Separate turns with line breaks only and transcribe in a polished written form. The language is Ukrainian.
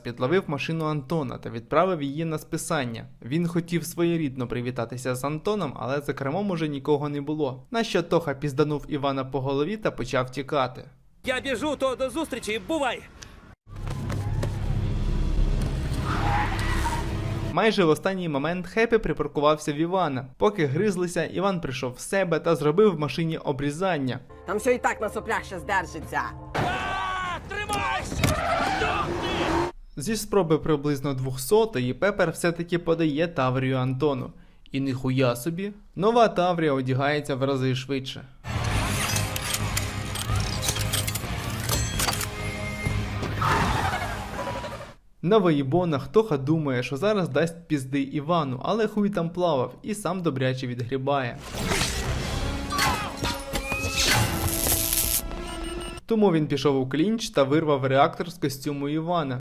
підловив машину Антона та відправив її на списання. Він хотів своєрідно привітатися з Антоном, але за кермом уже нікого не було. На що Тоха пізданув Івана по голові та почав тікати.
Я біжу, то до зустрічі, бувай!
Майже в останній момент Хеппі припаркувався в Івана. Поки гризлися, Іван прийшов в себе та зробив в машині обрізання.
Там все і так на соплях ще здержиться.
Тримайся!
Зі спроби приблизно 200-ї Пепер все-таки подає Таврію Антону. І ніхуя собі, нова Таврія одягається в рази швидше. На виїбонах Тоха думає, що зараз дасть пізди Івану, але хуй там плавав і сам добряче відгрібає. Тому він пішов у клінч та вирвав реактор з костюму Івана.